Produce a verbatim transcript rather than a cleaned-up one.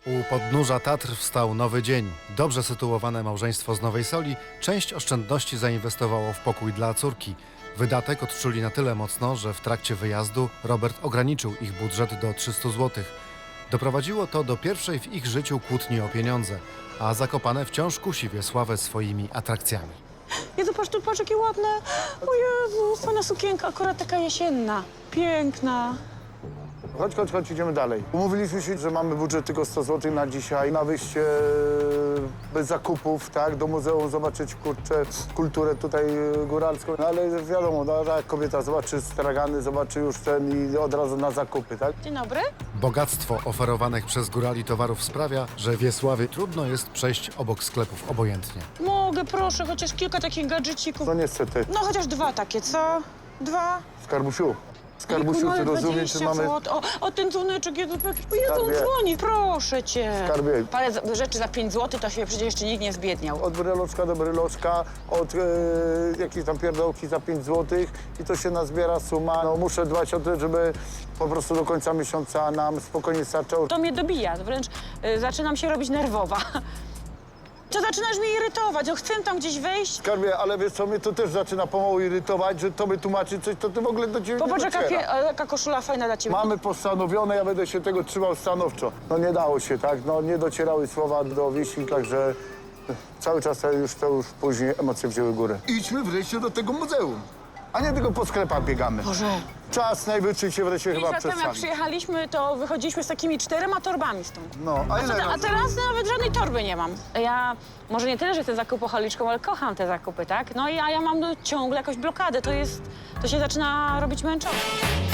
U podnóża Tatr wstał nowy dzień. Dobrze sytuowane małżeństwo z Nowej Soli część oszczędności zainwestowało w pokój dla córki. Wydatek odczuli na tyle mocno, że w trakcie wyjazdu Robert ograniczył ich budżet do trzystu złotych. Doprowadziło to do pierwszej w ich życiu kłótni o pieniądze, a Zakopane wciąż kusi Wiesławę swoimi atrakcjami. Jezu, patrz tu, patrz, jakie ładne. O Jezu, fajna sukienka, akurat taka jesienna. Piękna. Chodź, chodź, chodź, idziemy dalej. Umówiliśmy się, że mamy budżet tylko sto złotych na dzisiaj, na wyjście bez zakupów, tak, do muzeum zobaczyć, kurczę, kulturę tutaj góralską. No ale wiadomo, no, jak kobieta zobaczy stragany, zobaczy już ten i od razu na zakupy, tak? Dzień dobry. Bogactwo oferowanych przez górali towarów sprawia, że Wiesławie trudno jest przejść obok sklepów obojętnie. Mogę, proszę, chociaż kilka takich gadżecików. No niestety, No chociaż dwa takie, co? Dwa? Skarbusiu, Skarbusiu, ty rozumiesz, czy mamy... O, o, ten dzwoneczek, Jezu, o Jezu, on Skarbie. dzwoni, proszę cię. Skarbie. Parę z- rzeczy za pięć złotych, to się przecież jeszcze nikt nie zbiedniał. Od bryloczka do bryloczka, od e, jakiejś tam pierdołki za pięć złotych i to się nazbiera suma. No, muszę dbać o to, żeby po prostu do końca miesiąca nam spokojnie starczało. To mnie dobija, wręcz y, zaczynam się robić nerwowa. To zaczynasz mnie irytować, o, chcę tam gdzieś wejść. Skarbie, ale wiesz co, mnie to też zaczyna pomału irytować, że tobie tłumaczy coś, to ty w ogóle do ciebie Popatrz, nie jaka, dociera. pie- a jaka koszula fajna dla ciebie. Mamy postanowione, ja będę się tego trzymał stanowczo. No nie dało się, tak? No nie docierały słowa do wieści, także cały czas to już, to już później emocje wzięły górę. Idźmy wreszcie do tego muzeum, a nie tylko po sklepach biegamy. Boże. Czas najwyższy się wreszcie Pięć chyba lat temu, jak przedstawi. przyjechaliśmy, to wychodziliśmy z takimi czterema torbami stąd. No, a A, ile te, a razy? teraz nawet żadnej torby nie mam. Ja może nie tyle, że jestem zakupoholiczką, ale kocham te zakupy, tak? No i a ja mam no, ciągle jakąś blokadę. To jest, to się zaczyna robić męczące.